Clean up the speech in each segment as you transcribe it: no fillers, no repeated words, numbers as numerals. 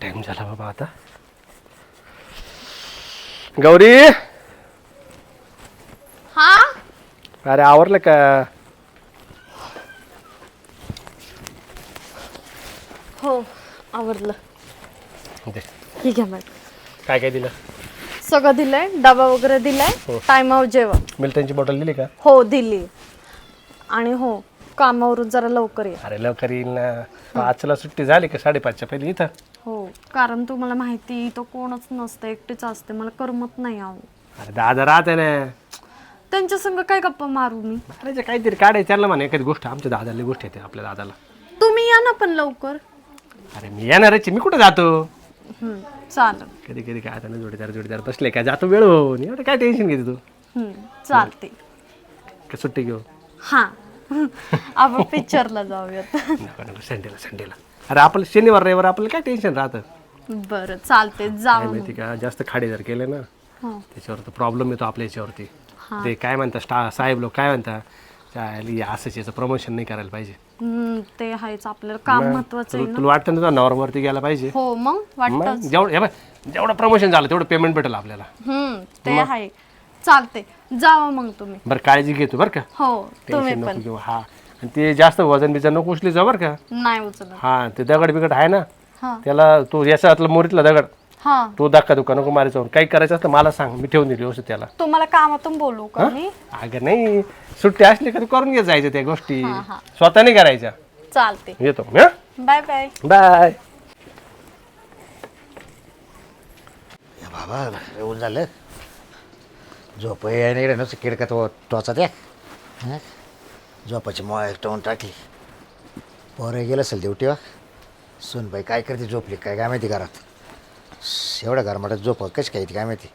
Time झाला बाबा आता. गौरी, हा अरे आवरलं का? हो आवडलं. दे. ठीक आहे मॅडम. काय काय दिलं? सगळं दिलंय, डबा वगैरे दिलाय. टायमावर जेवण. मिल्टनची बॉटल दिली का? हो दिली. आणि हो कामावरून जरा लवकर ये. अरे लवकर येईल ना. 5ला सुट्टी झाली का 5:30च्या पहिले इथं. हो कारण तुम्हाला माहिती तो कोणच नसतं, एकटीच असते, मला करमत नाही आहो. अरे दादा राहते ना. त्यांच्या संग काय गप्पा मारू मी? अरे काहीतरी काढायचं त्यांना म्हणा एखादी गोष्ट. आमच्या दादाला गोष्ट येते आपल्या दादाला. तुम्ही या ना पण लवकर. अरे मी येणारच, मी कुठं जातो? चालेल. कधी कधी काय आता जोडीदार बसले काय जातो वेळ होऊन. एवढं काय टेन्शन घेते तू? चालते. का सुट्टी घेऊ? हा आपण पिक्चरला जाऊयात. नको संडेला. अरे आपलं शनिवार रविवार आपल्याला काय टेन्शन राहतं? बरं चालते जाऊ. माहिती का जास्त खाडे जर केले ना त्याच्यावर तर प्रॉब्लेम येतो आपल्या याच्यावरती. ते काय म्हणतात साहेब लोक काय म्हणतात असंच याचं प्रमोशन नाही करायला पाहिजे. ते आहेच, आपल्याला काम महत्वाचं आहे ना. तुला वाटतं ना तुझा नॉर्मवरती गेला पाहिजे. हो मग वाटतं. जेवढं प्रमोशन झालं तेवढं पेमेंट भेटेल आपल्याला. ते आहे. चालते जावा मग तुम्ही. बरं काळजी घेतो बरं का. हो तुम्ही टेन्शन पण नको घेऊ. हा आणि ते जास्त वजन बिजन नको उचली जाऊ बरं का. नाही उचलत. हा ते दगड बिगड आहे ना हा त्याला तो याच्यातला मोरीतला दगड हा तो धक्का दुखा नको मारायचा. काही करायचं असतं मला सांग, मी ठेवून दिली व्यवस्थित त्याला. तुम्हाला कामातून बोलू का मी? अगं नाही सुट्टी असली का तू करून घे जायचं त्या गोष्टी. स्वतः नाही करायच्या. चालते. येतो बाय बाय. बाय. बाबा येऊन झालं झोप येणे नुसतं किडका तो टोचा त्या झोपाची मोबाईल टोन टाकली. पोरं गेलं असेल ड्युटीवा. सुनबाई काय करते झोपली काय काय माहिती घरात. एवढ्या घरमाटात झोप कशी काय ती काय माहिती.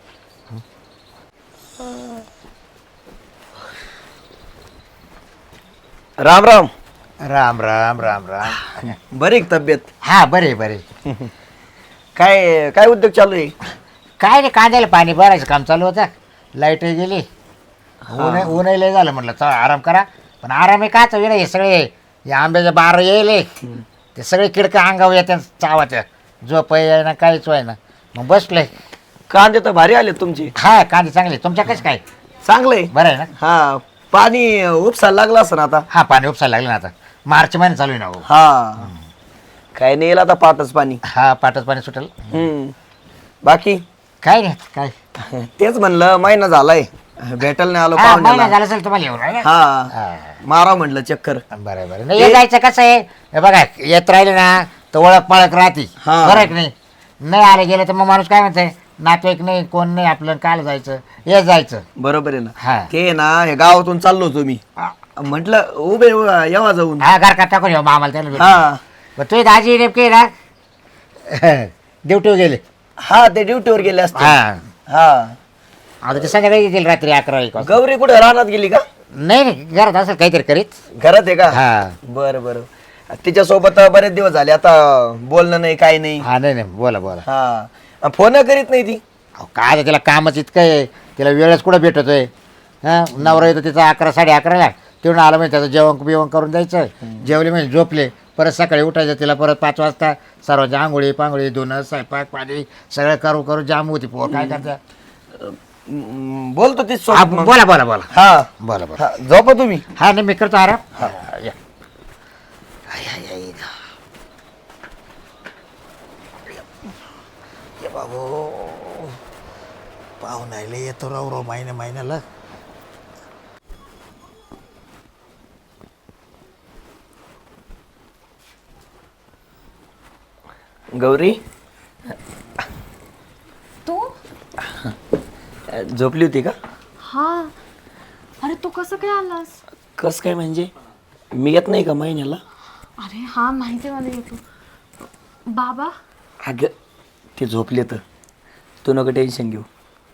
राम राम. राम राम राम राम. बरी तब्येत? हा बरे बरे. काय काय उद्योग चालू आहे? काय नाही कांद्याला पाणी भरायचं काम चालू होतं. लाईटही गेली. ऊनही लय झालं म्हटलं चला आराम करा. पण आराम आहे काच वेळ हे सगळे या आंब्याच्या बार येले ते सगळे किडका अंगावर येत्या चावाच्या. झोप आहे ना काहीच आहे ना. मग बसलोय. कांदे तर भारी आले तुमचे. हा कांदे चांगले. तुमच्या कसं काय? चांगले बरं आहे ना. हा पाणी उपसायला लागलं असं आता. हा पाणी उपसायला लागलं ना आता. मार्च महिना चालू आहे ना हो. हा काय नाही येईल आता पाटच पाणी. हा पाटच पाणी सुटेल. बाकी काय नाही काय. तेच म्हणलं महिना झालाय भेटल नाही आलो हा महिना पाहुण्याला. झाला असेल तुम्हाला येऊन आहे ना. हा मारा म्हटलं चक्कर. बरं बरं नाही हे जायचं कसं आहे हे बघा येत राहिले ना तर ओळख पळख राहते. हा. बरं आहे की नाही. नाही आले गेले तर मग माणूस काय म्हणतंय नातेवाईक नाही कोण नाही आपलं काल जायचं हे जायचं. बरोबर आहे ना. हा ते ना हे गावातून चाललो होतो मी. म्हटलं उभे येवा जाऊन. हा घर का टाकून येऊ मामाला त्याला भेटू. हा मग तुझी दाजी नेमके ना ड्युटीवर गेले. हा ते ड्युटीवर गेले असते. हा हा आता ते संध्याकाळी येतील रात्री 11 एक वाजता. गौरी कुठे रानात गेली का? नाही नाही घरात असेल काहीतरी करीत. घरात आहे का? हा बरं बरं. तिच्यासोबत बरेच दिवस झाले आता बोलणं नाही काही नाही. हा नाही नाही बोला बोला. हा फोन करीत नाही ती. अहो, काय आता तिला कामच इतकं आहे तिला वेळच कुठं भेटतोय. हां नवरा येतो तिचा 11 11:30ला तिथून आलं म्हणजे त्याचं जेवण बिवण करून द्यायचं. जेवले म्हणजे झोपले परत सकाळी उठायचं तिला परत 5 वाजता सर्वांची आंघोळी पांघोळी धुणं स्वयंपाक पाणी सगळं करू करू जाम होती पोर काय करता. बोलतो ती हा, सोबत मग. बोला बोला बोला हा बोला बोला. हा, झोपा तुम्ही. हा नाही मी करतो आराम. या. आय, आय, आय. ये बाबू पाहुण्याला येतो राव महिन्याला. गौरी तू? झोपली होती का? हा अरे तू कसं काय आलास? कस काय म्हणजे मी येत नाही का महिन्याला? अरे हा माहिती मला येतो. बाबा अगं ते झोपले तर तू नको टेन्शन घेऊ.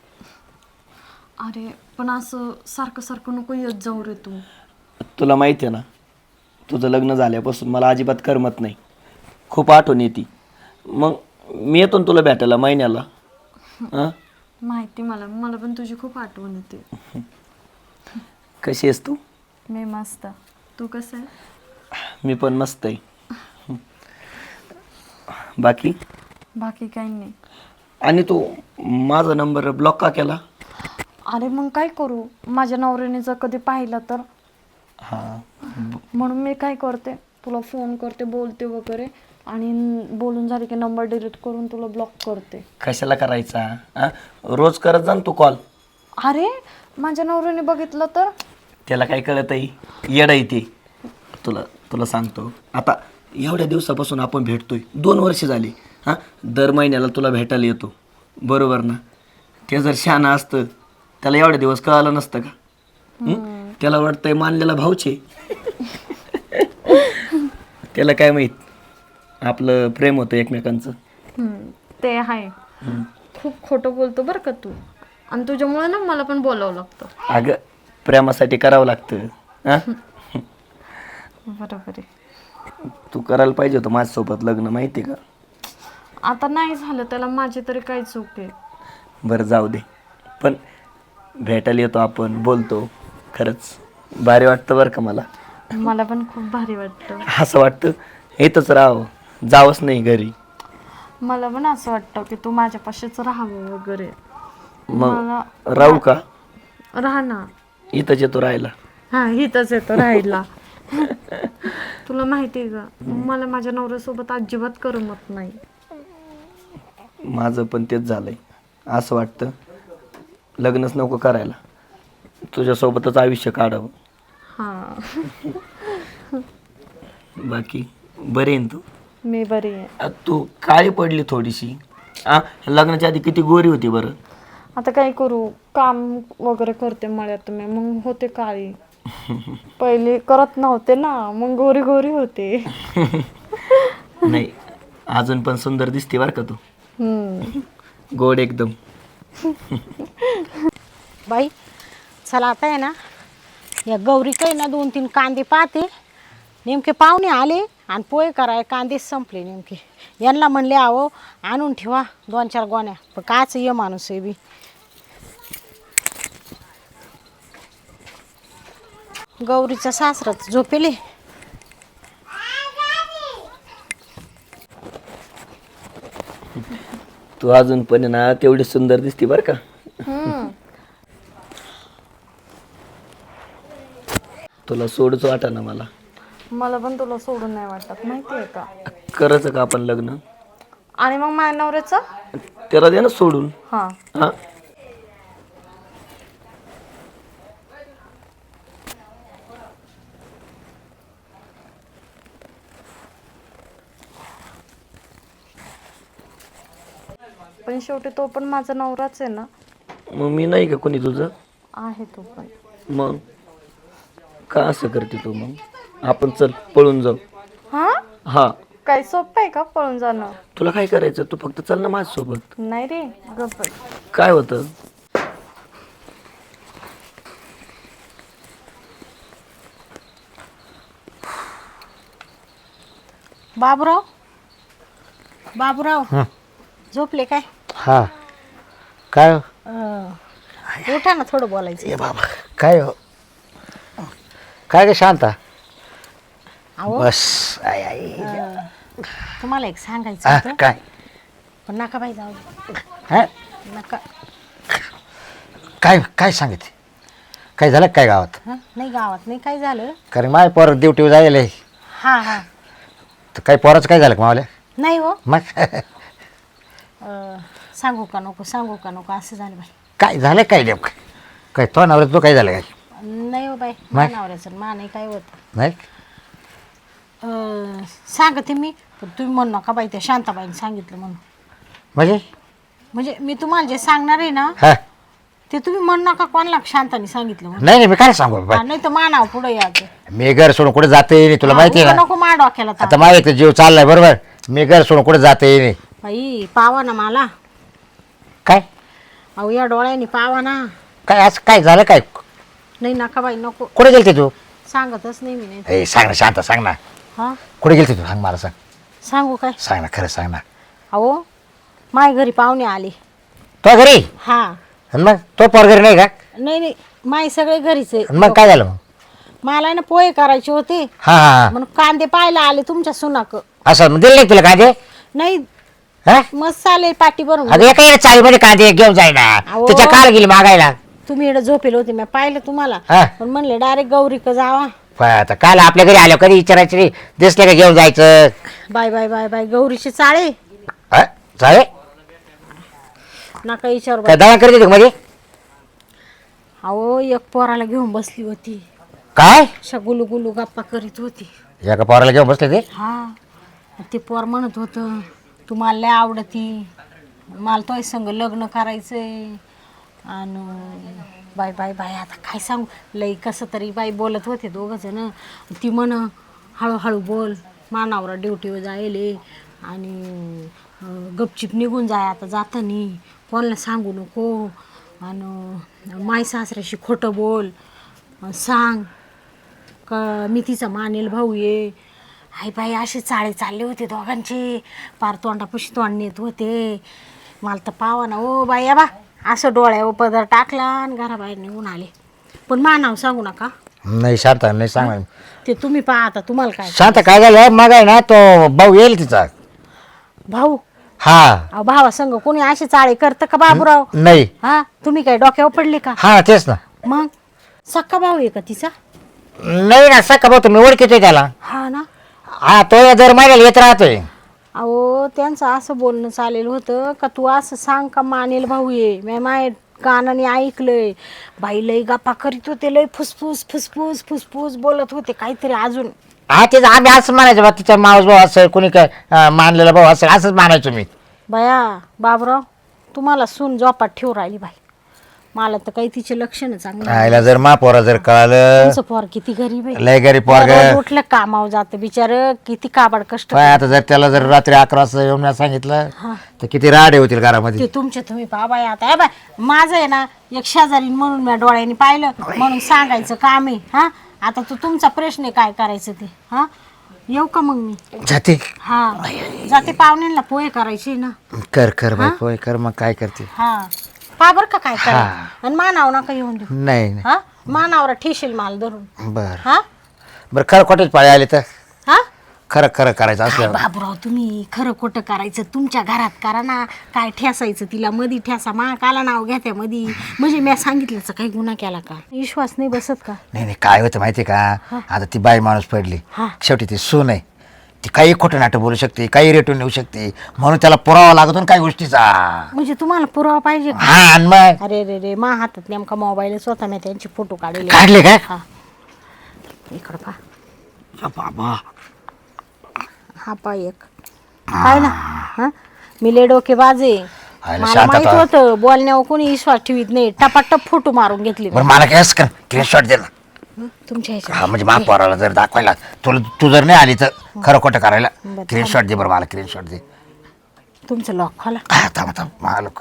अरे पण असं सारखं सारखं नको येत जाऊ रे तू. तुला माहिती आहे ना तुझं लग्न झाल्यापासून मला अजिबात करमत नाही. खूप आठवण येते. मग मी येतो ना तुला भेटायला महिन्याला. हां माहिती मला पण तुझी खूप आठवण येते. कशी आहेस तू? मी मस्त. तू कसं आहे? मी पण मस्त आहे. बाकी बाकी काही नाही. आणि तू माझा नंबर ब्लॉक का केला? अरे मग काय करू, माझ्या नवऱ्याने जर कधी पाहिलं तर. हां. म्हणून मी काय करते, तुला फोन करते, बोलते वगैरे, आणि बोलून झाले की नंबर डिलीट करून तुला ब्लॉक करते. कशाला करायचा? हां, रोज करत जा ना तू कॉल. अरे माझ्या नवऱ्याने बघितलं तर. त्याला काय कळत आहे? येडा येते. तुला तुला सांगतो, आता एवढ्या दिवसापासून आपण भेटतोय, 2 वर्ष झाली. हां, दर महिन्याला तुला भेटायला येतो, बरोबर ना? ते जर शहाणा असतं त्याला एवढे दिवस कळालं नसतं का? त्याला वाटतंय मानलेला भाऊचे. त्याला काय माहीत आपलं प्रेम होतं एकमेकांचं. ते आहे. खूप खोटं बोलतो बरं का तू, आणि तुझ्यामुळे ना मला पण बोलावं लागतं. अगं प्रेमासाठी करावं लागतं. हां, बरोबर आहे. तू करायला पाहिजे होतं माझ्यासोबत लग्न, माहिती आहे का? आता नाही झालं, त्याला माझी तरी काय चूक आहे. बरं जाऊ दे, पण भेटायला येतो आपण, बोलतो. खरंच भारी वाटतं बरं का मला. मला पण खूप भारी वाटतं. असं वाटतं इथंच राहावं, जावंच नाही घरी. मला पण असं वाटतं की तू माझ्यापाशीच राहावं वगैरे. मग राहू का? राहा ना. इथंच येतो राहायला. हा, इथंच येतो राहायला. तुला माहिती आहे का, मला माझ्या नवऱ्यासोबत अजिबात करमत नाही. माझं पण तेच झालंय. असं वाटतं लग्नच नको करायला, तुझ्यासोबतच आयुष्य काढावं. हा. बाकी बरे आहे ना तू? मी बरी आहे. तू काळी पडली थोडीशी. लग्नाच्या आधी किती गोरी होती बरं. आता काय करू, काम वगैरे करते मळ्यात मी, मग होते काळी. पहिले करत नव्हते ना, मग गोरी गोरी होते. नाही, अजून पण सुंदर दिसते बरं का तू. गोड एकदम. बाई चला, आता आहे ना या गौरी काही ना 2-3 कांदे पाहते. नेमके पाहुणे आले आणि पोहे कराय कांदेच संपले नेमके. यांना म्हणले आहो आणून ठेवा 2-4 गोण्या, पण काच ये माणूस आहे बी. गौरीचा सासराच झोपेले. तू अजून पण ना तेवढी सुंदर दिसते बरं का. तुला सोडच वाटा ना मला. मला पण तुला सोडून नाही वाटत, माहितीये का. करायचं का आपण लग्न? आणि मग माझ्या नवऱ्याचं. त्याला दे ना सोडून. हा. हा, पण शेवटी तो पण माझा नवराच आहे ना. मग मी नाही का कोणी तुझं? आहे तो पण. मग का असं करते तू? मग आपण चल पळून जाऊ. हा, हा, काय सोपं आहे का पळून जाणं? तुला काय करायचं? तू फक्त चल ना माझ्यासोबत. नाही रे, गप्प. काय होतं? बाबूराव, बाबूराव झोपले काय? हा काय हो? उठा ना, थोडं बोलायचं. ए बाबा काय हो? काय ग शांता? अहो बस आई आई तुम्हाला एक सांगायचं हा, होतं, काय पण नका बाई, जाऊ दे. हा? नका. काय काय सांगितले? काय झालं काय गावात? हं? नाही गावात नाही काय झालं. कारण माय पोर ड्युटीवर जायला हा हा. तर काही पोराचं काय झालं का मावल्या? नाही हो. मग सांगू का नको, सांगू का नको असं झालं बाई. काय झालं काय नेमकं? काय तो नवऱ्यात तो काय झालं काय? नाही हो बाई, नाही? मानावऱ्याचं मा नाही काय होत. नाही सांगते मी, पण तुम्ही म्हणू नका बाई त्या शांताबाईने सांगितलं म्हणून. म्हणजे मी तुम्हाला जे सांगणार आहे ना हा ते तुम्ही म्हणू नका कोणाला शांताने सांगितलं म्हणून. नाही नाही मी काय सांगू बाबा? नाही तर मानाव पुढे यायचं. मी घर सोडून कुठे जाते नाही, तुला माहिती आहे ना. नको मा डोक्याला ताप. आता माझ्या इथं जीव चाललाय बरोबर. मी घर सोडून कुठे जाते नाही. बाई पावा ना मला. काय अहो या डोळ्याने पावा ना. काय असं काय झालं काय? नाही नका बाई नको. कुठे गेलते तू? सांगतच नाही मी. नाही ए सांग ना शांत, सांग ना हा कुठे गेलते तू? सांग मला, सांग सांगू काय? सांग ना, खरं सांग ना. अहो माय घरी पाहुणे आले. तो घरी? हा. आणि मग तो पोर घरी नाही का? नाही नाही, माय सगळे घरीच आहे. आणि मग काय झालं मग? मला ना पोहे करायचे होते हा हा म्हणून कांदे पाहायला आले तुमच्या सुनाक. असं मग दिले नाही तुला काय ते? नाही हा मस्त चालेल पाठी भरून. अगं एका चाळीमध्ये कांदे घेऊन जाय ना. अहो. त्याच्या काल गेली मागायला. तुम्ही इकडे झोपेल होते मी पाहिलं तुम्हाला, हा. पण म्हणले डायरेक्ट गौरीक जावा. आता काल आपल्या घरी आलो कधी विचारायचं नाही, दिसले का घेऊन जायचं. बाय बाय बाय बाय गौरीचे चाळे हा? चालेल नका विचार काय दवा करते तू मध्ये अहो एक पोराला घेऊन बसली होती, काय अशा गुलू गुलू गप्पा करीत होती. एका पोराला घेऊन बसले ते. हा ते पोर म्हणत होतं तुम्हाला लय आवडती, मला तोय संग लग्न करायचंय. आणि बाय बाय बाय आता काय सांगू, लई कसं तरी बाई बोलत होते दोघं जण. ती म्हण हळूहळू बोल, मानावरा ड्युटीवर जायले आणि गपचिप निघून जाय आता जातानी, कोणाला सांगू नको. आणि माय सासऱ्याशी खोटं बोल, सांग का मी तिचा मानेल भाऊ ये. हाय बाई असे चाळे चालले होते दोघांचे, पार तोंडापाशी तोंड नेत होते. मला तर पावा ना ओ बाई बा, असं डोळ्यावर पदर टाकला आणि घराबाहेर निघून आले. पण मा नाव सांगू नका. नाही शांत नाही सांग. ते तुम्ही पहा आता तुम्हाला काय. शांत काय झालं मग आहे ना, तो भाऊ येईल तिचा. भाऊ हा अहो भावा संग कोणी असे चाळे करतं का बाबूराव? नाही. हा तुम्ही काय डोक्यावर पडले का? हा तेच ना. मग सक्का भाऊ आहे का तिचा? नाही ना सका भाऊ तुम्ही ओळखीतोय त्याला. हा ना. हा तो दर महिन्याला येत राहतोय. अहो त्यांचं असं बोलणं चालेल होतं का तू असं सांग का मानेल भाऊ ये. मी माय कानाने ऐकलंय बाई लई गप्पा करीत होते, लई फुसफुस फुसफुस फुसफुस बोलत होते काहीतरी अजून. हा तेच आम्ही असं म्हणायचं बा, तिचा मावस भाऊ असेल कोणी काय मानलेला भाऊ असेल असंच मानायचो मी. बया बाबराव तुम्हाला सून जोपात ठेवू राहिली बाई, मला तर काही तिचे लक्षण चांगलं. आईला जर पोरा जर कळालं. तुमचं पोर किती गरीब आहे, लय गरीब पोरग. रोज उठलं कामावर जातं बिचार, किती काबाड कष्ट. आता जर त्याला जर रात्री 11 वाजता येऊन मी सांगितलं तर किती राडे होतील घरामध्ये. ते तुमचे तुम्ही पहा बाई. आता बाय माझं आहे ना एक शेजारी म्हणून मी डोळ्यांनी पाहिलं म्हणून सांगायचं काम आहे. हा आता तो तुमचा प्रश्न आहे काय करायचं ते. हा येऊ का मग मी? जाते हा जाते, पाहुण्यांना पोहे करायचे ना. कर कर बाई पोय कर. मग काय करते. हा पा बर का काय करा. आणि मानावर नका येऊन देऊ. नाही नाही. हा मानावर ठेशील माल धरून. बर हा बरं खरं खोटेच पाळी आले तर हा खरं खरं करायचं असलं. बाबूराव तुम्ही खरं खोटं करायचं तुमच्या घरात करा ना. काय ठेसायचं तिला मधी ठेसा, मा काला नाव घ्या त्या मधी. म्हणजे मी सांगितलंच काही गुन्हा केला का? विश्वास नाही बसत का? नाही नाही काय होतं माहिती का, आता ती बाई माणूस पडली, हा. शेवटी ती सून आहे, ती काही खोटं नाटक बोलू शकते, काही रेटून येऊ शकते, म्हणून त्याला पुरावा लागतो ना काही गोष्टीचा. म्हणजे तुम्हाला पुरावा पाहिजे का? हा आणि मग अरे रे रे मा हातात नेमका मोबाईल स्वतः मी त्यांचे फोटो काढले. काढले काय. हा इकडं पहा. बाबा हा पा एक काय ना. हा मी लय डोके बाजे, आयला मला शांत माहित आता. होतं बोलण्यावर कोणी विश्वास ठेवीत नाही. टपाटप फोटो मारून घेतली बरं मला काय असं कर स्क्रीनशॉट दे ना. तुमच्या ह्याच्यात. हा म्हणजे महापौराला जर दाखवायला तुला तू जर नाही आली तर खरं खोटं करायला बरं, स्क्रीनशॉट दे. बरं मला स्क्रीनशॉट दे. तुमचं लॉक खोला. हा थांब थांब महालोक.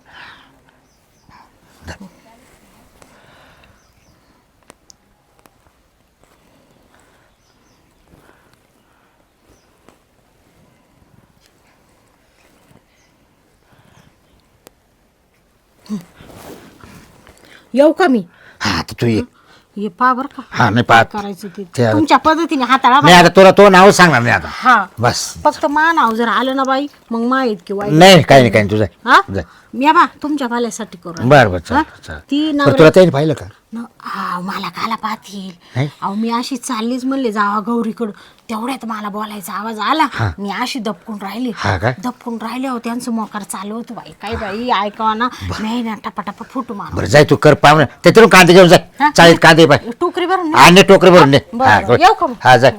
येऊ का मी? हा तर तू ये. ये पा बर का हा नाही पाहत करायचं ते ते- तुमच्या पद्धतीने हाताळा नाही बाई. आता तुला तो नाव सांगणार नाही आता हा बस. फक्त मा नाव जर आलं ना बाई मग माहीत किंवा नाही काही नाही काही नाही तुझं हा जाय. मी बा तुमच्या भल्यासाठी करू. बरं बरं हा? चालेल चालेल. ती बरं नवऱ्या तुला त्याने पाहिलं का. हा मला काला पाहतील. नाही? अहो मी अशी चाललीच म्हणले जावा गौरीकडं, तेवढ्यात मला बोलायचा आवाज आला. मी अशी दपकून राहिली. हा काय? दपकून राहिले अहो त्यांचं मोकार चालू होतं बाई. काय बाई ऐकावा ना मी ना टपाटपा फोटो मार. बरं जाय तू कर पाहुणे त्याच्यातून कांदे घेऊन जाय. हा? चाळीत कांदे पाय टोकरी भरून ने. आणि टोकरी भरून दे. बरं, हा बरं. येऊ का मग? हा जाय.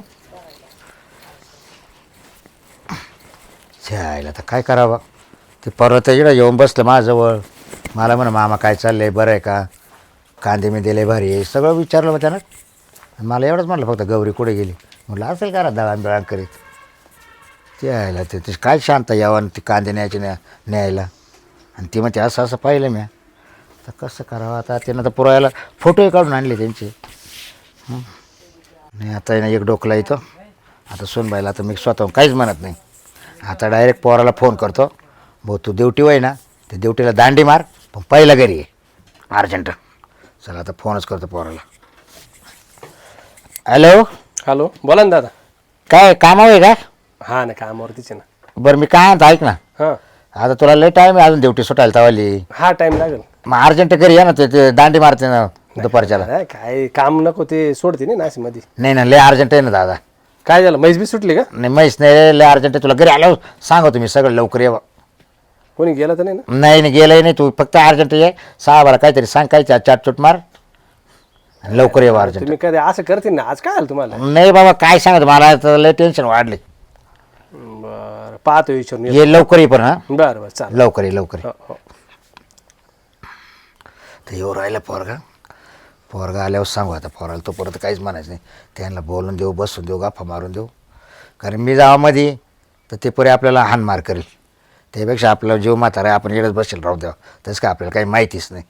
जायला तर काय करावं. ते परत इकडं येऊन बसलं माझ्याजवळ. मला म्हणा मामा काय चाललंय बरं आहे का, कांदे मी दिले भारी आहे सगळं विचारलं मग त्यानं. मला एवढंच म्हटलं फक्त गौरी कुठे गेली. म्हटलं असेल करा दळण बिळण करीत. ते यायला ते काय शांत यावं ते कांदे न्यायचे न्यायला. आणि ती म्हणते असं असं पाहिलं मी. तर कसं करावं आता. त्यानं तर पुरायला फोटोही काढून आणले त्यांचे. नाही आता आहे ना एक डोकला येतो. आता सोनबाईला आता मी स्वतःहून काहीच म्हणत नाही. आता डायरेक्ट पोराला फोन करतो. भाऊ तू ड्युटी होय ना ते ड्युटीला दांडी मार पण पहिला घरी ये अर्जंट. चला आता फोनच करतो पोराला. हॅलो हॅलो बोला ना दादा. काय कामावर आहे का. हा ना कामावरतीच आहे ना. बरं मी काय म्हणतो ऐक ना, हां आता तुला लय टाइम आहे अजून ड्युटी सुटायला तवाली. हा टाइम लागेल. मग अर्जंट घरी या ना, ते दांडी मारते ना दुपारच्याला. अरे काय काम नको ते सोडते नाही नाशिक मध्ये. नाही ना, लय अर्जंट आहे ना दादा. काय झालं म्हैस बी सुटली का? नाही म्हैस नाही, लय अर्जंट आहे. तुला घरी आल्यावर सांगा तुम्ही सगळं लवकर ये. कोणी गेलं तर नाही ना? नाही नाही गेलंय नाही, तू फक्त अर्जंट ये. 6 बारा काहीतरी सांग, काय चाटचूट मार आणि लवकर ये अर्जंट. तुम्ही कधी असं करतील ना, आज काय आलं तुम्हाला? नाही बाबा काय सांगत, मला तर लय टेन्शन वाढले. बरं पाहतो विचारून येतो. ये लवकर ये पण. हा बरं बरं चालेल. लवकर ये लवकर ये. हो हो. तर येऊ राहिलं पोरगा आल्यावर सांगू. आता पोराला तो परत काहीच म्हणायचं नाही. त्यांना बोलून देऊ, बसून देऊ, गप्पा मारून देऊ. कारण मी जावामध्ये तर ते पुरे आपल्याला हानमार करेल. त्यापेक्षा आपला जीव म्हातारा आपण येडच बसेल राहू द्यावं. तसं काय आपल्याला काही माहितीच नाही.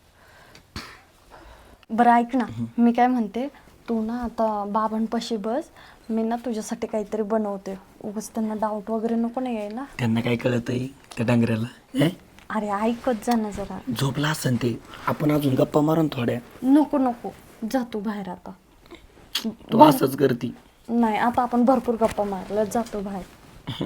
बरं ऐक ना, मी काय म्हणते, तू ना आता बाबांपाशी बस, मी ना तुझ्यासाठी काहीतरी बनवते. उगाच त्यांना डाऊट वगैरे नको नाही यायला. त्यांना काय कळत आहे त्या डांगऱ्याला? अरे ऐकत जा ना जरा. झोपला असन ते, आपण अजून गप्पा मारून थोड्या. नको नको, जा तू बाहेर आता. तू असंच करती. नाही आता आपण भरपूर गप्पा मारल्या, जातो बाहेर.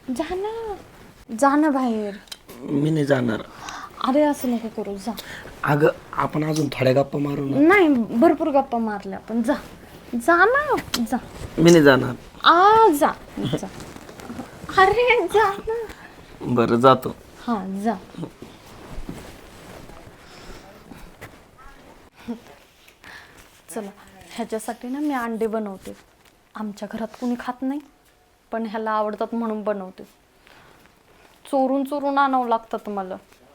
जा ना बाहेर. मी नाही जाणार. अरे असं नको करू, जा. अगं आपण अजून थोड्या गप्पा मारू ना. नाही भरपूर गप्पा मारल्या आपण, जा जा ना, जा. मी नाही जाणार. जा जा. अरे जा ना. बरं जातो. हा जा. चला, ह्याच्यासाठी ना मी अंडे बनवते. आमच्या घरात कुणी खात नाही, पण ह्याला आवडतात म्हणून बनवते. चोरून चोरून आणावं लागतात मला,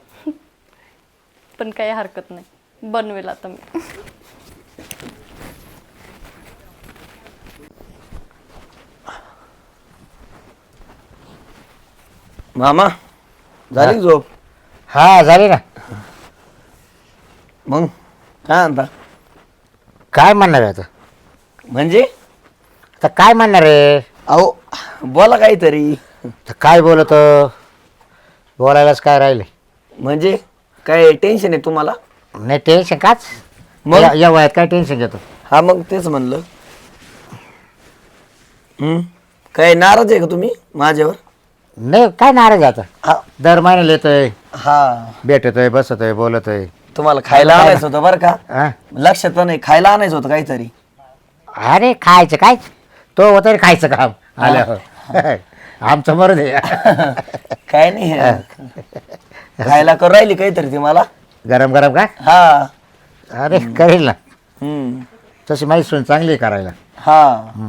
पण काही हरकत नाही, बनवेल आता मी. मामा झाली झोप? हा झाली ना. मग काय म्हणता? काय म्हणणार आहे आता? म्हणजे आता काय म्हणणार आहे? अहो बोला काहीतरी. तर काय बोलतो, बोलायलाच काय राहिले. म्हणजे काय टेन्शन आहे तुम्हाला? नाही टेन्शन काच, मग? या वयात काय टेन्शन घेतो. हा मग तेच म्हणलं. काय नाराज आहे का तुम्ही माझ्यावर? नाही काय नाराज आहे आता. हा दर महिन्याला येतोय, हा. भेटतोय, बसतोय, बोलतोय. तुम्हाला खायला आणायचं होतं बरं का? हा? लक्षात नाही, खायला आणायचं होतं काहीतरी. अरे खायचं काय, तो होतं रे खायचं काम आल्यावर. आमचं बरं दे. काय नाही खायला करू राहिली काहीतरी ती मला. गरम गरम का? हा. अरे करेल ना, हम्म. तशी माहिती सून चांगली आहे करायला. हा.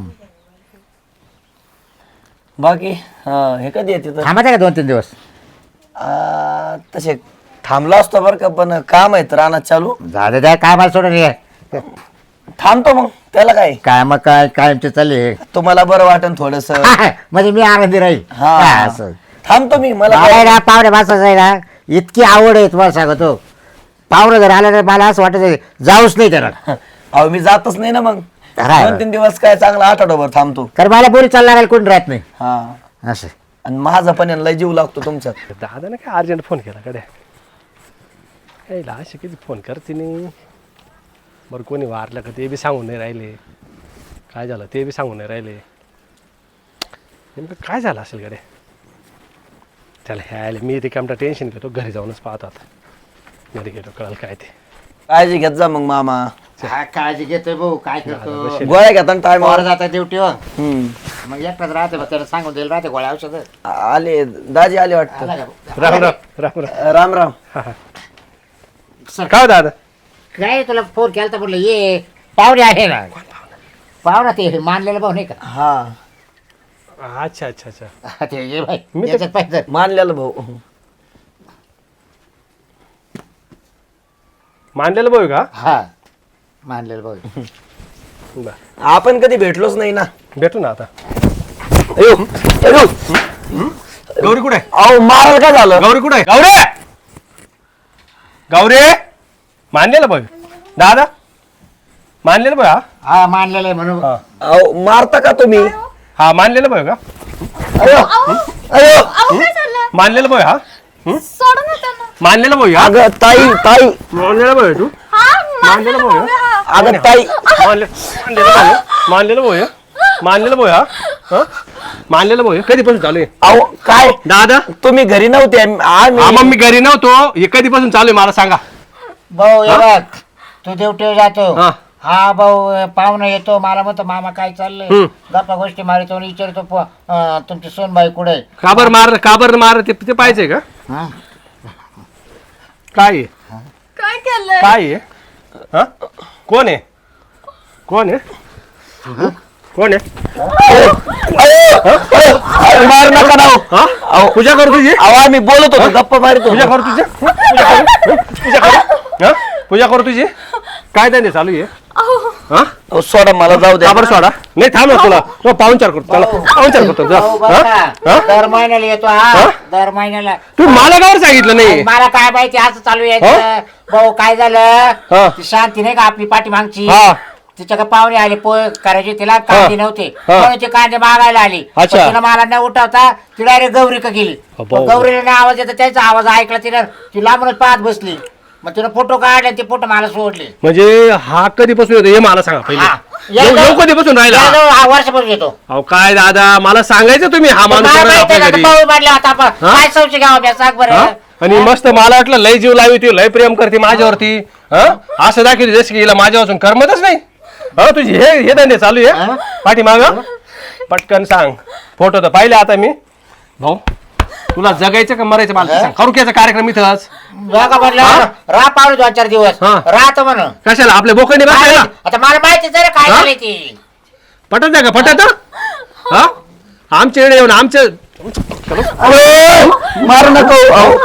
बाकी हे कधी येते तर? थांबायचं का 2-3 दिवस? तसे थांबलो असतो बरं का, पण काम आहेत रानात चालू. झालं त्या कामाला सोडून ये. थांबतो मग, त्याला काय. काय मग काय कायमचे चालले. तुम्हाला बरं वाटन थोडस. म्हणजे मी आनंदी राहील. हा. असं थांबतो मी. मला मला काय- ना पाहुणे बसायचं आहे ना, इतकी आवड आहे तुम्हाला सांगतो. पाहुणे जर आलं तर मला असं वाटत जाऊच नाही त्याला. अहो मी जातच नाही ना मग. राय. 2-3 दिवस काय चांगला आठवडाभर थांबतो. कारण मला बोरी चालला राहील, कोणी राहत नाही हा. असं. आणि माझा पण यांना लय जीव लागतो तुमच्यात. दादाने काय अर्जंट फोन केला कडे, यायला असे किती फोन करते नाही. बरं कोणी वारलं का ते बी सांगून नाही राहिले, काय झालं ते बी सांगून नाही राहिले. नेमकं काय झालं असेल कडे त्याला. ह्याला मी रिकामटा टेन्शन घेतो, घरी जाऊनच पाहतो आता. घरी गेलो कळलं काय ते. काळजी घेत जा मग मामा. हा, काळजी घेतोय भाऊ, काय करतो. गोळ्या घेता ना टायमावर. वर जाता ड्युटीवर, मग एकटाच राहते, मग त्याला सांगून देईल राहते गोळ्या औषध. आले दाजी आले वाटतं. राम राम राम राम. राम राम. काय हो दादा? काय तुला फोन केला तर म्हटलं ये, पाहुणे आहे ना. पाहुणा ते मानलेलं भाऊ नाही का? हा अच्छा अच्छा अच्छा. हा, ते ये बाई, मी तर- याच्यात पाहिजे. मानलेलं भाऊ. मानलेलं भाऊ का? हा मानलेलं भाऊ. बरं आपण कधी भेटलोच नाही ना. भेटू ना आता. अयो अयो. गौरी कुठे? अहो मारायला काय झालं? गौरी कुठे? गौरे गौरी. मानलेलं भाऊ दादा, मानलेलं भाऊ. हा मानलेलं आहे म्हणून. हा अहो मारता का तुम्ही? हा मानलेलं भाऊ का? अयो अयो. मानलेलं भाऊ हा? सोड ना त्यांना. मानलेलं भाऊ हा? अगं ताई ताई. मानलेलं भाऊ तू? मानलेलं भाऊ अगं ताई. मानलेलं भाऊ मानलेलं भाऊ मानलेलं भाऊ हा? मानलेलं भाऊ हे कधीपासून चालू आहे अहो काय दादा तुम्ही घरी नव्हते हा आम्ही मग मी घरी नव्हतो हे कधीपासून चालू आहे मला सांगा भाऊ हे बघ तू ड्युटीवर जातो हा. हा भाऊ पाहुणा येतो मला म्हणतो मामा काय चाललंय गप्पा गोष्टी मारितो आणि विचारतो तुमची सोनबाई कुठे काबर मार ते पाहिजे का हा काय आहे? काय केलंय काय आहे हा? कोण आहे कोण आहे कोण आहे मार नका ना हो. हा? पूजा करू तुझी अहो आम्ही बोलत होतो गप्पा मारतो पूजा करू तुझी पूजा करू हा? पूजा करू तुझी काय त्यांनी चालू आहे हा अहो, सोडा मला जाऊ द्या काबर सोडा नाही थांब ना तुला पाहुणचार करतो चला पाहुणचार करतो जा. भाऊ हा? बघा, हा? दर महिन्याला येतो हा दर महिन्याला तू मला कावर सांगितलं नाही मला काय माहिती असं चालू आहे भाऊ काय हा. झालं ती शांती नाही का आपली पाठीमागची हा. तिच्या का पाहुणे आले पोहे करायचे तिला कांदे नव्हते हा. म्हणून ते कांदे मागायला आली अच्छा. पण तिनं मला न उठवता ती डायरेक्ट गौरी का गेली अब्बा. गौरीला नाही आवाज येतो त्याचा आवाज ऐकला तिनं ती लांबूनच पाहत बसली मग तिनं फोटो काढले ते फोटो मला सोडले म्हणजे हा कधीपासून येतो हे मला सांगा हा. पहिले येऊ कधीपासून राहिला हा वर्षापासून येतो अहो काय दादा मला सांगायचं तुम्ही हा माणूस मला येणार माहिती आपल्या आहे का, घरी. पाऊल मारले आता आपण हा? काय संशय घ्यावा बे, सांग हा? बरं आणि मस्त मला वाटलं लय जीव लावी ती लय प्रेम करते माझ्यावरती हा असं दाखवली जसं की हिला माझ्यापासून करमतच नाही हा तुझी हे धंदे चालू आहे पाठीमाग पटकन सांग फोटो तर पाहिले आता मी भाऊ तुला जगायचं का मरायचं मला सांग करू घ्यायचा कार्यक्रम इथंच बघा म्हटलं राह पावले 2-4 दिवस हा. राहतो म्हणून कशाला आपल्या बोकंडी बसायला आता मला माहिती जरा काय हा? झाली ती पटत नाही का पटत हा आमच्याकडे येऊन आमच्या मारू नको अहो.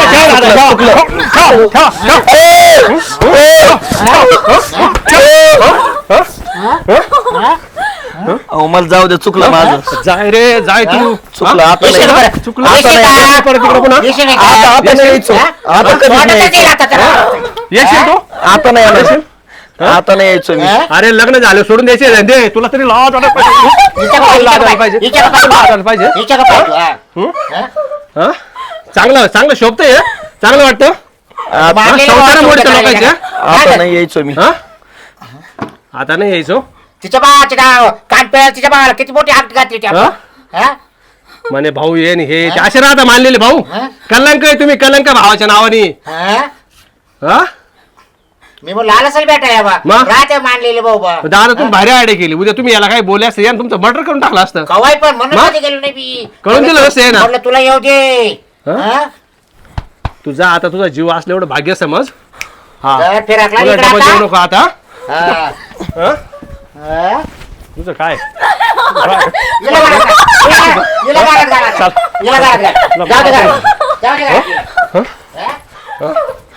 अहो मला जाऊ दे चुकलं माझं जाय रे जाय तू चुकलं आता येशील नाही. बरं. चुकलं येशील का? परत तिकडं पुन्हा येशील का? आता नाही यायचो हा? आता कधी वाटत नाही नाही यायचो. आता तर. येशील तू आता नाही येणार. आता नाही यायचो मी हा? अरे लग्न झालं सोडून द्यायचे दे तुला तरी लाज वाटत पाहिजे हिच्या का लाज वाटायला पाहिजे? पाहिजे हिच्या का लाज वाटायला पाहिजे हिच्या का पाहिजे? हा. हा? हा? चांगलं चांगलं शोभतंय चांगलं वाटतं मारलेलं संसार वाटतं मोडतं का लोकांच्या काय? आता नाही यायचो मी हा आता नाही यायचो तिच्या बाळाची नाव कान पेळ तिच्या बाळाला किती मोठी हात घातली ती आपण. हा? म्हणे भाऊ ये आणि हे ते असे राहता मानलेले भाऊ हा? कलंक आहे तुम्ही कलंक भावाच्या नावाने हा? हा मी म्हणलं आला असेल बेटा या बा मग? राहते मानलेले भाऊ बा दादा तुम्ही भारी आयडिया केली उद्या तुम्ही याला काही बोलले असते यानं तुमचं मर्डर करून टाकलं असतं कवाय पण म्हणून मग? कधी गेलो नाही मी कळून दिलं असं आहे ना. म्हटलं तुला येऊ दे हा? हा? तुझा आता तुझा जीव असलं एवढं भाग्य समज हा जरा फिराकला तुला इकडं डबल आता. जेवू नको आता हा. हा? हा? तुझं काय हिला घरात घाल. हिला घरात घाल आता. हिला घरात घाल. जाऊ दे घरात. जाऊ दे घरात. हा?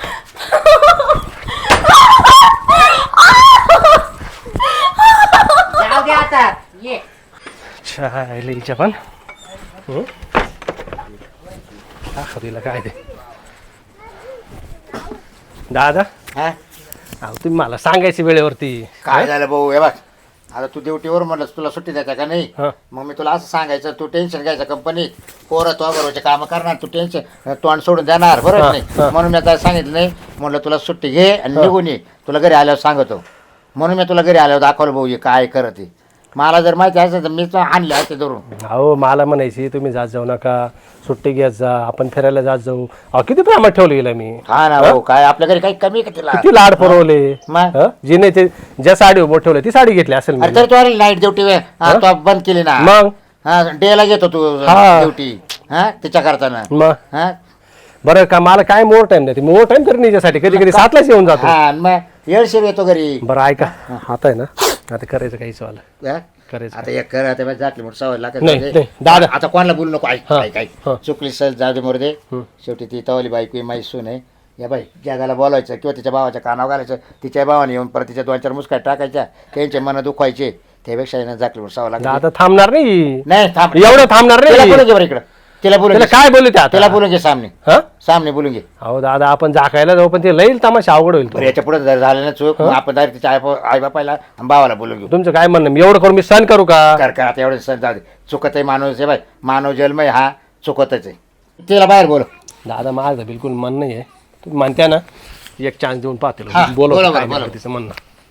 जाऊ दे आता ये चायलीच्या पण तिला काय ते दादा हा? अहो तुम्ही मला सांगायची वेळेवरती काय झालं भाऊ हे बघ आता तू ड्युटीवर म्हणलं तुला सुट्टी द्यायचा का नाही हा. मग मी तुला असं सांगायचं तू टेन्शन घ्यायचं कंपनीत पोरं तो बरोबरचे कामं करणार तू टेन्शन तोंड सोडून देणार बरोबर हा, नाही हा. म्हणून मी आता सांगितलं नाही म्हणलं तुला सुट्टी घे आणि निघून ये तुला घरी आल्यावर सांगतो म्हणून मी तुला घरी आल्यावर दाखवलं भाऊ हे काय करत आहे मला जर माहिती असेल तर मीच आणले असते धरून अहो मला म्हणायची तुम्ही जात जाऊ नका सुट्टी घेत जा आपण फिरायला जात जाऊ अहो किती प्रेमात ठेवलं गेलं मी हा ना भाऊ काय आपल्या घरी काही कमी आहे का तिला किती लाड पुरवले मग? हं? जिने ते ज्या साडी उभं ठेवलं ती साडी घेतली असेल मी अरे तरी तू आली नाईट ड्युटी तो बंद केली ना मग हा डेला घेतो तू हा. ड्युटी हा तिच्या करताना मग हा बरं का मला काय मोर टाइम नाही मोर टाइम तरी निच्यासाठी कधी कधी 7लाच येऊन जातो हा आणि मग येळशीर येतो घरी बरं ऐका आता आहे ना आता करायचं काही सवाल हा? करायचं आता एक कर आता बस जातली म्हणून सवय लागत नाही, नाही. नाही, दादा. आता कोणाला बोलू नको ऐक हा, ऐक ऐक हा. चुकली सर जाऊ दे मोर दे शेवटी ती तवली बायको माहीत सून आहे या बाई जगाला बोलायचं किंवा तिच्या भावाच्या कानावर घालायचं तिच्या भावाने येऊन परत तिच्या 2-4 मुस्काट टाकायच्या त्यांचे मन दुखवायचे त्यापेक्षा येणं जाकली म्हणून सवय लागत आता थांबणार नाही नाही थांब एवढं थांबणार तिला नाही बोलून घे बरं इकडं तिला बोलून त्याला घे. काय बोलू त्या तिला बोलून घे सामने हा सामने बोलून घे अहो दादा आपण झाकायला जाऊ पण ते लईल तमाशा अवघड होईल तो. बरं याच्या पुढे जर झालं ना चूक मग आपण डायरेक्ट तिच्या आई बापायला आणि भावाला बोलून घेऊ तुमचं काय म्हणणं मी एवढं करून मी सहन करू का कर आता एवढं सण जाऊ दे चुकत आहे माणूस आहे बाय मानव जन्मय हा चुकतच आहे तिला बाहेर बोल दादा माझं बिलकुल मन नाही आहे तुम्ही म्हणत्या ना एक चान्स देऊन पाहते हा, बोलो बोला, काय बोला. नाही तिचं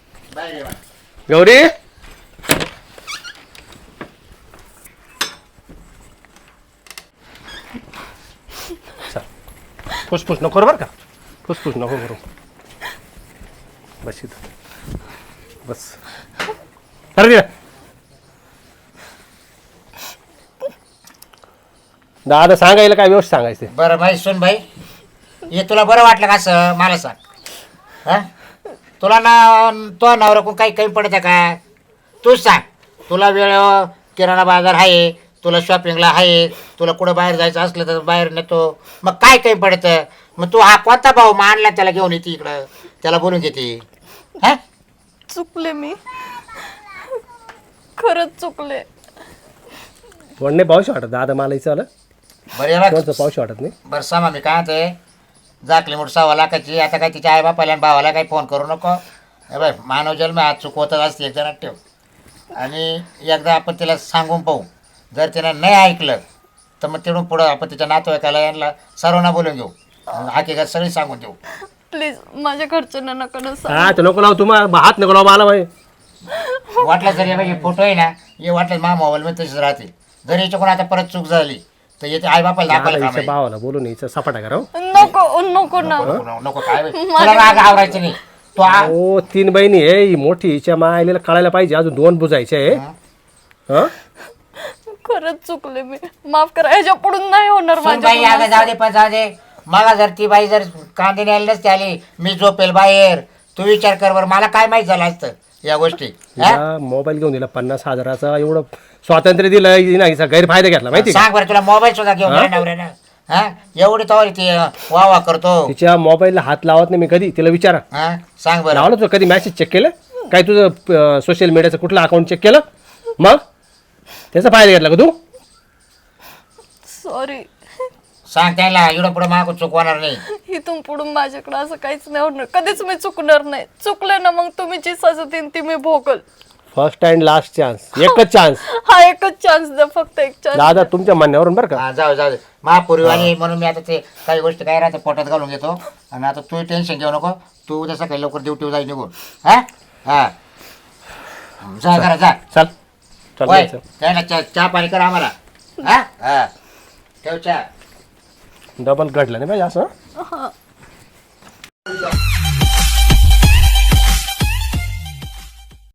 म्हणणं गौरी फुसफुस नको करू बरं का, फुसफुस नको करू. बस इथं बस. अरे दादा सांगायला काय व्यवस्थित सांगायचं. बरं भाई सुन भाई, हे तुला बरं वाटलं का असं मला सांग. हा तुला ना तो नवरा काही कमी पडतं का तूच सांग. तुला वेळ किराणा बाजार आहे, तुला शॉपिंगला आहे, तुला कुठं बाहेर जायचं असलं तर बाहेर नेतो, मग काय कमी पडतं. मग तू हा कोणता भाऊ मानला त्याला घेऊन येते इकडं, त्याला बोलून घेते. हा चुकले मी, खरंच चुकले. पण नाही पाऊस वाटत दादा मला इथं आलं बरं हे बघ. कोणतं पाऊस वाटत नाही. बरं सामा मी काय ते जाकली मोठ 6 लाखाची. आता काय तिच्या आईबापाला आणि भावाला काही फोन करू नको. हे बाय मानव जन्म आज चुकवतच असते, एक जणात ठेव. आणि एकदा आपण तिला सांगून पाहू, जर तिनं नाही ऐकलं तर मग तिथून पुढं आपण तिच्या नातेवाईकाला यांना सर्वांना बोलून घेऊ, हकीकत सगळी सांगून देऊ. प्लीज माझ्या घरच्यांना नका ना सांगू. हा तर नको लावू तुम्हाला हात नको लावू मला बाई. वाटलं जर हे फोटो आहे ना, हे वाटलं मा मोबाईलमध्ये तसेच राहते. जर याच्याकडून आता परत चूक झाली तर येते आईबापाला दाखवायला काम हिच्या आहे. भावाला बोलून हिचं सपाटा करा. नको नको ना. नको नको काय बे. तुला राग आवरायचं नाही तो हो 3 बहिणी आहे, ही मोठी हिच्या मायलेला कळायला पाहिजे, अजून 2 बुजायचे आहे. हा खरंच चुकले मी, माफ करा. ह्याच्या पुढून नाही होणार सुन बाई माझ्या. आता जाऊ दे, पण जाऊ दे. मला जर ती बाई जर कांदे न्यायला नसती आली, मी झोपेल बाहेर. तू विचार कर बरं, मला काय माहित झालं असतं या गोष्टी. तिला मोबाईल घेऊन दिला 50,000चा, एवढं स्वातंत्र्य दिलं हिनं, हिचा गैरफायदा घेतला माहिती का. सांग बरं, तुला मोबाईल सुद्धा घेऊन गेला नवऱ्यानं. हा एवढी तवारी ती वाह करतो. तिच्या मोबाईलला हात लावत नाही मी कधी. तिला विचारा हा सांग बरं. लावलं तुझं कधी मॅसेज चेक केलं काय, तुझं सोशल मीडियाचं कुठलं अकाउंट चेक केलं, मग त्याचा फायदा घेतला का तू. सॉरी. सांग त्याला एवढं पुढे माग चुकवणार नाही. इथून पुढून माझ्याकडे असं काहीच नाही होणार, कधीच मी चुकणार नाही. चुकले ना मग तुम्ही जी सजा देईन ती मी भोगल. फर्स्ट अँड लास्ट चान्स, एकच चान्स. हा एकच चान्स द्या, फक्त एक चान्स. दादा तुमच्या म्हणण्यावरून बरं का. हा जाऊ जाऊ दे महापूर्वानी. म्हणून मी आता ते काही गोष्टी काय राहते पोटात घालून घेतो. आणि आता तू टेन्शन घेऊ नको, तू उद्या सकाळी लवकर ड्युटीवर जाई निघून. हा हा जा करा जा. चल चल होय चल. त्याला चहा पाणी कर आम्हाला. हा हा ठेव चहा. डबल घडलं नाही पाहिजे असं.